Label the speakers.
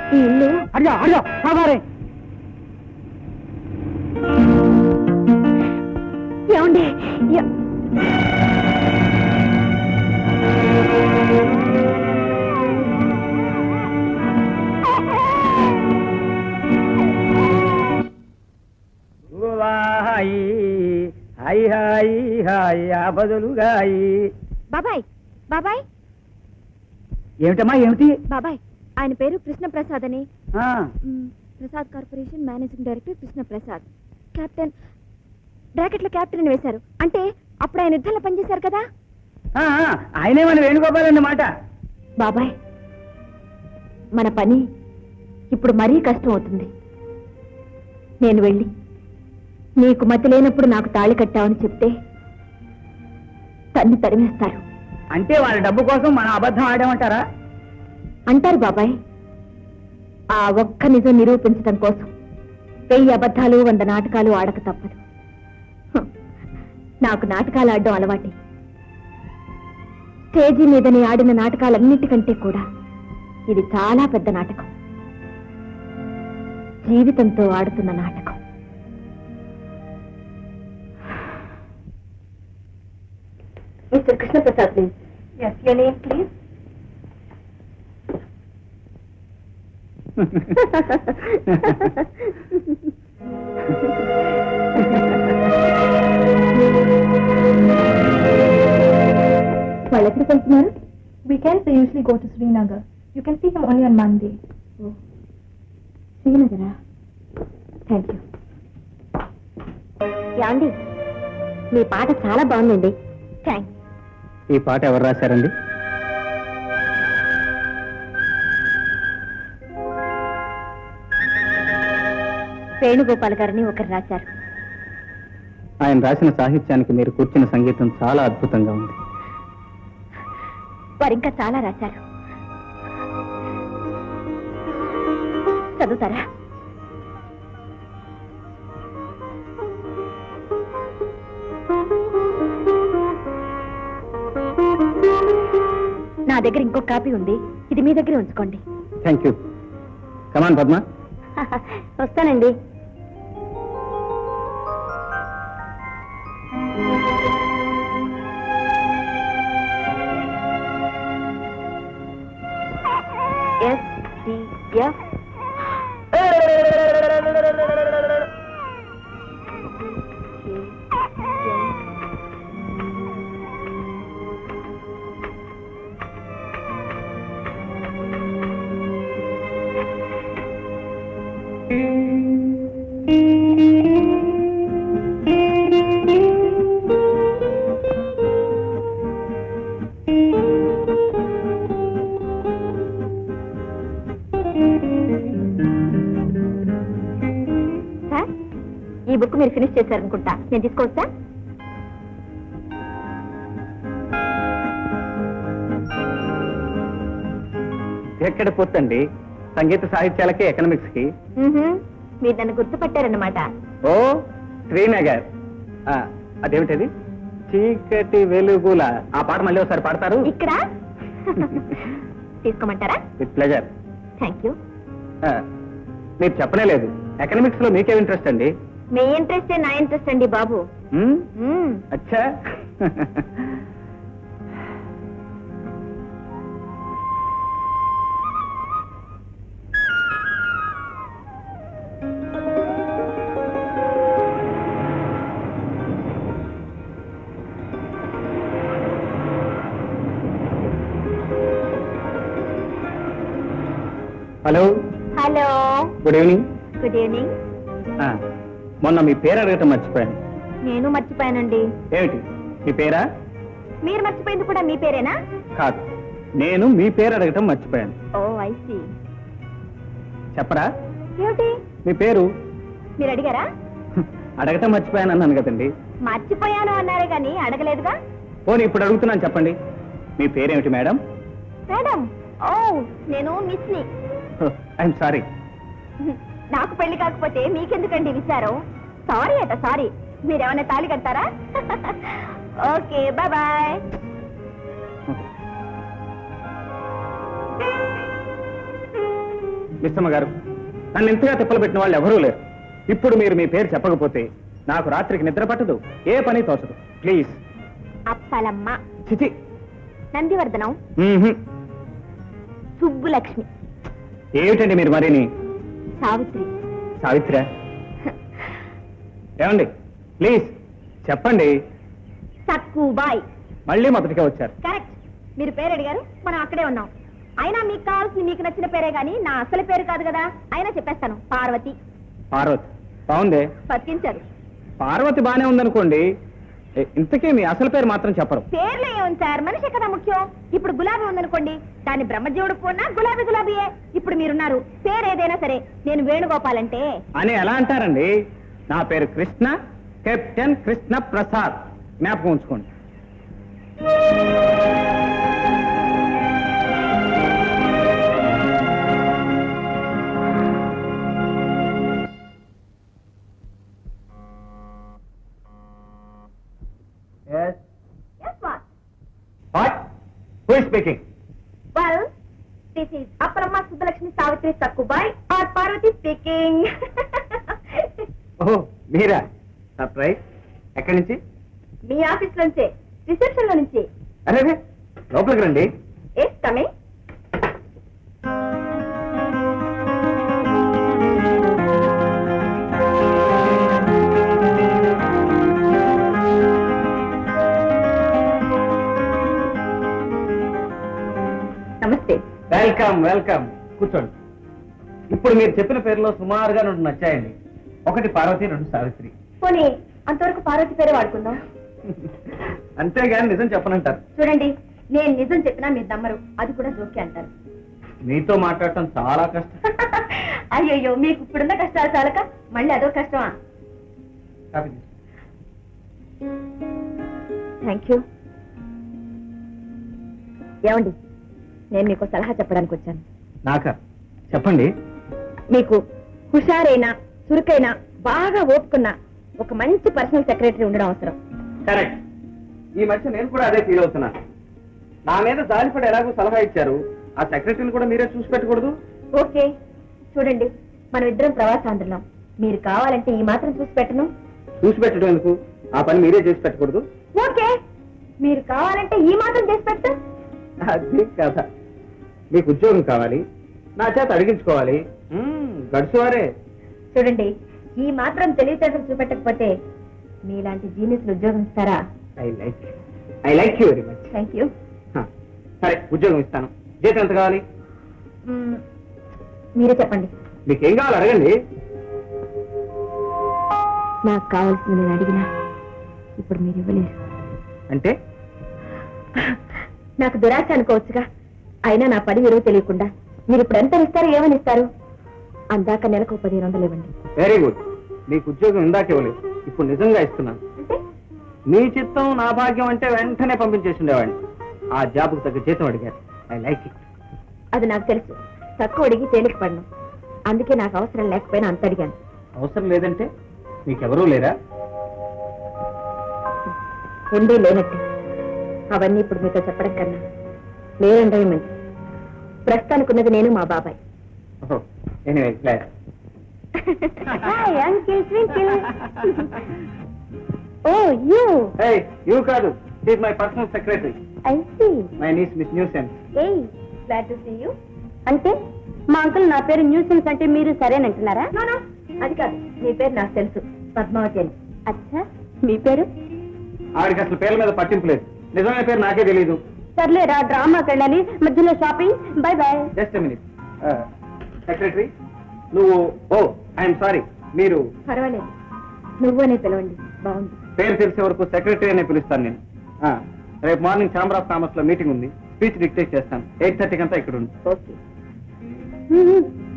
Speaker 1: ఈ ఇల్లు
Speaker 2: అడిగా అడిగా సాగారే
Speaker 1: ఏమండి
Speaker 2: హాయి హాయి హాయి బదులుగాయి.
Speaker 1: బాబాయ్ బాబాయ్
Speaker 2: ఏమిటమ్మా ఏమిటి?
Speaker 1: బాబాయ్ ఆయన పేరు కృష్ణప్రసాద్ అని.
Speaker 2: ఆ,
Speaker 1: Prasad corporation managing director Krishnaprasad. Captain బ్రాకెట్లో కెప్టెన్ అని వేశారు. అంటే అప్పుడు ఆయన యుద్ధంలో పనిచేశారు కదా.
Speaker 2: ఆ, ఆయనే మన వేణుగోపాల్ అన్నమాట.
Speaker 1: బాబాయ్ మన పని ఇప్పుడు మరీ కష్టం అవుతుంది. నేను వెళ్ళి నీకు మతి లేనప్పుడు నాకు తాళి కట్టావని చెప్తే తన్ని తరిమేస్తారు.
Speaker 2: అంటే వాళ్ళ డబ్బు కోసం మనం అబద్ధం ఆడామంటారా?
Speaker 1: అంటారు బాబాయ్. ఆ ఒక్క నిజం నిరూపించడం కోసం 1000 అబద్ధాలు 100 నాటకాలు ఆడక తప్పదు. నాకు నాటకాలు ఆడడం అలవాటే. స్టేజీ మీదని ఆడిన నాటకాలన్నిటికంటే కూడా ఇది చాలా పెద్ద నాటకం. జీవితంతో ఆడుతున్న నాటకం. Mister Krishnaprasad please. Yes your name please. వాళ్ళు ఎక్కడికి వెళ్తున్నారు?
Speaker 3: Weekends they usually go to Srinagar. You can see him only on Monday.
Speaker 1: శ్రీనగరా? Thank you. యాండి మీ పాట చాలా బాగుందండి. థ్యాంక్స్.
Speaker 2: ఈ పాట ఎవరు రాశారండి?
Speaker 1: వేణుగోపాల్ గారిని ఒకరు రాశారు.
Speaker 2: ఆయన రాసిన సాహిత్యానికి మీరు కూర్చున్న సంగీతం చాలా అద్భుతంగా ఉంది.
Speaker 1: వారు ఇంకా చాలా రాశారు. చదువుతారా? నా దగ్గర ఇంకో కాపీ ఉంది. ఇది మీ దగ్గర ఉంచుకోండి.
Speaker 2: Thank you. కమాన్ పద్మ.
Speaker 1: వస్తానండి. SDF ఈ బుక్ మీరు ఫినిష్ చేశారనుకుంటా. నేను తీసుకోవచ్చా?
Speaker 2: ఎక్కడ పోతండి? సంగీత సాహిత్యాలకి ఎకనామిక్స్ కి.
Speaker 1: మీరు నన్ను గుర్తుపట్టారన్నమాట.
Speaker 2: ఓ శ్రీనగర్. అదేమిటది? చీకటి వెలుగుల. ఆ పాట మళ్ళీ ఒకసారి పాడతారు?
Speaker 1: ఇక్కడ తీసుకోమంటారా?
Speaker 2: With pleasure.
Speaker 1: Thank you.
Speaker 2: మీరు చెప్పనే లేదు. ఎకనామిక్స్ లో మీకేం ఇంట్రెస్ట్ అండి?
Speaker 1: మీ ఇంట్రెస్టే నా ఇంట్రెస్ట్ అండి బాబు.
Speaker 2: అచ్చా. Hello.
Speaker 1: Hello.
Speaker 2: Good evening.
Speaker 1: Good evening.
Speaker 2: మొన్న మీ పేరు అడగటం మర్చిపోయాను.
Speaker 1: నేను మర్చిపోయానండి.
Speaker 2: ఏమిటి మీ పేరా?
Speaker 1: మీరు మర్చిపోయింది కూడా మీ పేరేనా?
Speaker 2: కాదు, నేను మీ పేరు అడగటం మర్చిపోయాను.
Speaker 1: Oh I see.
Speaker 2: చెప్పరా?
Speaker 1: ఏమిటి
Speaker 2: మీ పేరు?
Speaker 1: మీరు అడిగారా?
Speaker 2: అడగటం మర్చిపోయాను అన్నాను కదండి.
Speaker 1: మర్చిపోయాను అన్నారే గాని అడగలేదుగా.
Speaker 2: పోనీ ఇప్పుడు అడుగుతున్నాను, చెప్పండి. మీ పేరేమిటి మేడం?
Speaker 1: మేడం? ఓ నేను మిస్ని.
Speaker 2: I'm sorry.
Speaker 1: నాకు పెళ్లి కాకపోతే మీకెందుకండి విచారం? సారీ అట సారీ. మీరేమన్నా తాళి కడతారా? Okay bye bye.
Speaker 2: మిస్సమ్మ గారు, నన్ను ఇంతగా తిప్పలు పెట్టిన వాళ్ళు ఎవరూ లేరు. ఇప్పుడు మీరు మీ పేరు చెప్పకపోతే నాకు రాత్రికి నిద్ర పట్టదు, ఏ పని తోచదు. ప్లీజ్.
Speaker 1: అప్పలమ్మ.
Speaker 2: చిచి.
Speaker 1: నందివర్ధనం. సుబ్బులక్ష్మి.
Speaker 2: ఏమిటండి మీరు మరిని?
Speaker 1: సావిత్రి.
Speaker 2: సావిత్ర. ఏమండి ప్లీజ్ చెప్పండి.
Speaker 1: సక్కుబాయ్.
Speaker 2: మళ్ళీ మొదటిగా వచ్చారు.
Speaker 1: కరెక్ట్. మీరు పేరు అడిగారు, మనం అక్కడే ఉన్నాం. అయినా మీకు కావాల్సింది మీకు నచ్చిన పేరే గాని నా అసలు పేరు కాదు కదా. అయినా చెప్పేస్తాను, పార్వతి.
Speaker 2: పార్వతి బాగుందే.
Speaker 1: బతికించారు.
Speaker 2: పార్వతి బానే ఉందనుకోండి, ఇంతకీ మీ అసలు పేరు మాత్రం చెప్పరు.
Speaker 1: పేర్లో ఏముంది సార్, మనిషి కదా ముఖ్యం. ఇప్పుడు గులాబీ ఉందనుకోండి, దాన్ని బ్రహ్మజీవుడు పోనా గులాబీ గులాబీయే. ఇప్పుడు మీరున్నారు, పేరు ఏదైనా సరే నేను వేణుగోపాలంటే
Speaker 2: అని ఎలా అంటారండి? నా పేరు కృష్ణ, కెప్టెన్ కృష్ణ ప్రసాద్. జ్ఞాపకం ఉంచుకోండి.
Speaker 1: Yes, what?
Speaker 2: What? Who is speaking?
Speaker 1: Well, this is Aparamma Subbulakshmi Savitri Sakkubai or Parvati speaking.
Speaker 2: ఓహో మీరా? సర్ప్రైజ్. ఎక్కడి నుంచి?
Speaker 1: మీ ఆఫీస్ నుంచే, రిసెప్షన్ లో నుంచి.
Speaker 2: అరే లోపలికి రండి.
Speaker 1: Yes coming. నమస్తే.
Speaker 2: Welcome welcome. కూర్చోండి. ఇప్పుడు మీరు చెప్పిన పేర్లో సుమారుగా 2 నచ్చాయండి. ఒకటి పార్వతి, 2 సావిత్రి.
Speaker 1: పోనీ అంతవరకు పార్వతి పేరే వాడుకుందాం.
Speaker 2: అంతేగాని నిజం చెప్పనంటారు.
Speaker 1: చూడండి, నేను నిజం చెప్పినా మీరు నమ్మరు, అది కూడా జోకే అంటారు.
Speaker 2: మీతో మాట్లాడటం చాలా కష్టం.
Speaker 1: అయ్యయ్యో, మీకు ఇప్పుడున్న కష్టాలు చాలక మళ్ళీ అదో కష్టమా?
Speaker 2: కాఫీ తీసుకో.
Speaker 1: Thank you. ఏమండి, నేను మీకు సలహా చెప్పడానికి వచ్చాను.
Speaker 2: నాకా? చెప్పండి.
Speaker 1: మీకు హుషారైన, చురుకైన, బాగా ఓపుకున్న ఒక మంచి పర్సనల్ సెక్రటరీ ఉండడం అవసరం.
Speaker 2: కరెక్ట్. ఈ మధ్య నేను కూడా అదే ఫీల్ అవుతున్నాను. నా మీద జాలిపడి ఎలాగో సలహా ఇచ్చారు, ఆ సెక్రటరీని కూడా మీరే చూసి పెట్టకూడదు?
Speaker 1: ఓకే, చూడండి, మనం ఇద్దరం ప్రవాసాంధ్రులం. మీరు కావాలంటే ఈ మాత్రం చూసి పెట్టను.
Speaker 2: చూసి పెట్టడం ఎందుకు? ఆ పని మీరే చేసి పెట్టకూడదు?
Speaker 1: ఓకే, మీరు కావాలంటే ఈ మాత్రం చేసి పెట్టు.
Speaker 2: అది కథ. మీకు ఉద్యోగం కావాలి, నా చేత అడిగించుకోవాలి. గడుచువారే.
Speaker 1: చూడండి, ఈ మాత్రం తెలివితేటలు చూపెట్టకపోతే మీలాంటి జీనియస్లు ఉద్యోగం ఇస్తారా?
Speaker 2: I like you very much.
Speaker 1: Thank you.
Speaker 2: సరే, ఉద్యోగం ఇస్తాను. జీతం ఎంత కావాలి?
Speaker 1: మీరే చెప్పండి.
Speaker 2: మీకేం కావాలి అడగండి.
Speaker 1: నాకు కావాల్సింది నేను అడిగినా ఇప్పుడు మీరు ఇవ్వలేరు.
Speaker 2: అంటే?
Speaker 1: నాకు దురాశ అనుకోవచ్చుగా. అయినా నా పని విలువ తెలియకుండా మీరు ఇప్పుడు ఎంత ఇస్తారో ఏమని ఇస్తారు? అందాక నెలకు 1500 ఇవ్వండి.
Speaker 2: Very good. మీకు ఉద్యోగం ఇందాక ఇవ్వలేదు, ఇప్పుడు నిజంగా ఇస్తున్నాను. మీ చిత్తం నా భాగ్యం అంటే వెంటనే పంపించేసి ఉండేవాడిని. ఆ జాబ్కు తగ్గ జీతం అడిగారు. I like it.
Speaker 1: అది నాకు తెలుసు. తక్కువ అడిగి తేలిక పడను. అందుకే నాకు అవసరం లేకపోయినా అంత అడిగాను.
Speaker 2: అవసరం లేదంటే మీకెవరూ లేరా?
Speaker 1: ఉండే లేనట్టు. అవన్నీ ఇప్పుడు మీతో చెప్పడం కన్నా లేదంటే మంచి. ప్రస్తుతానికి ఉన్నది నేను, మా బాబాయ్.
Speaker 2: Anyway, glad.
Speaker 1: Uncle twinkle. Oh you.
Speaker 2: Hey, you కాదు, she is my personal secretary.
Speaker 1: I see.
Speaker 2: My niece miss nuisance.
Speaker 1: ఏయ్, గ్లాడ్ టు సీ యూ. అంటే మా అంకుల్ నా పేరు న్యూసెన్స్ అంటే మీరు సరేనంటున్నారా? అది కాదు, మీ పేరు నాకు తెలుసు, పద్మావతి అని. అచ్చా, మీ పేరు?
Speaker 2: ఆవిడకి అసలు పేర్ల మీద పట్టింపు లేదు. నిజమైన పేరు నాకే తెలియదు.
Speaker 1: సర్లేరా, డ్రామాకి వెళ్ళాలి, మధ్యలో shopping. Bye bye.
Speaker 2: Just minute. Secretary, నువ్వు. Oh, I'm sorry. మీరు?
Speaker 1: పర్వాలేదు, నువ్వనే పిలవండి, బాగుంది.
Speaker 2: పేరు తెలిసే వరకు సెక్రటరీ అనే పిలుస్తాను నేను. రేపు మార్నింగ్ ఛాంబర్ ఆఫ్ కామర్స్ లో మీటింగ్ ఉంది. స్పీచ్ డిక్టేట్ చేస్తాను. 8:30 కంతా ఇక్కడ ఉంది.
Speaker 1: ఓకే.